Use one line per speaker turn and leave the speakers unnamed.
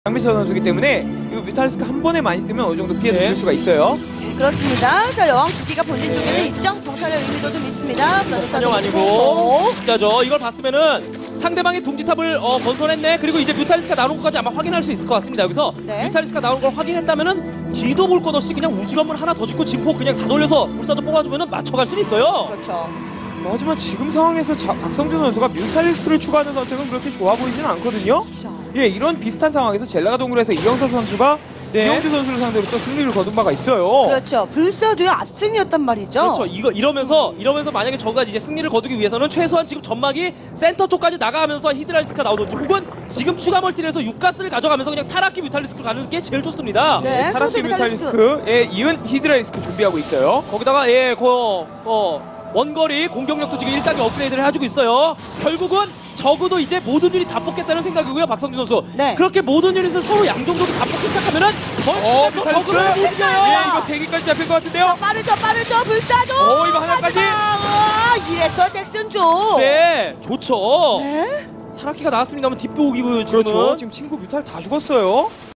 장미철 선수이기 때문에 이 뮤탈리스크 한 번에 많이 뜨면 어느 정도 피해를 줄 수가 있어요.
그렇습니다. 자, 여왕 두기가 본진 쪽에는 있죠. 정찰의 의미도 좀 있습니다.
사냥 아니고 진짜죠. 이걸 봤으면은 상대방의 둥지탑을 건설했네. 그리고 이제 뮤탈리스크가 나오는 것까지 아마 확인할 수 있을 것 같습니다. 여기서 뮤탈리스크가 나오는 걸 확인했다면은 뒤도 볼 것 없이 그냥 우주건물 하나 더 짓고 진포 그냥 다 돌려서 불사조 뽑아주면은 맞춰갈 수는 있어요.
그렇죠.
하지만 지금 상황에서 박성준 선수가 뮤탈리스크를 추가하는 선택은 그렇게 좋아 보이지는 않거든요.
그렇죠.
예, 이런 비슷한 상황에서 젤라가 동굴에서 이영석 선수가 이영주 선수를 상대로 또 승리를 거둔 바가 있어요.
그렇죠. 불사도의 압승이었단 말이죠.
그렇죠. 이러면서 만약에 저가 이제 승리를 거두기 위해서는 최소한 지금 전막이 센터 쪽까지 나가면서 히드라리스크가 나오든지 혹은 지금 추가 멀티를 해서 육가스를 가져가면서 그냥 타락기 뮤탈리스크를 가는 게 제일 좋습니다.
네,
타락기 뮤탈리스크에 이은 히드라리스크 준비하고 있어요.
거기다가 원거리 공격력도 지금 1단계 업그레이드를 해주고 있어요. 결국은 적어도 이제 모든 유닛 다 뽑겠다는 생각이고요, 박성준 선수.
네.
그렇게 모든 유닛을 서로 양정도로 다 뽑기 시작하면은
뮤탈리스크.
적으로 못 이겨요.
예, 이거 3개까지 잡힐 것 같은데요.
빠르죠, 불사도.
이거 하나까지.
이래서 잭슨 조.
네, 좋죠.
네.
타락기가 나왔습니다만 뒷부옥이고요, 지금은.
그렇죠. 지금 친구 뮤탈 다 죽었어요.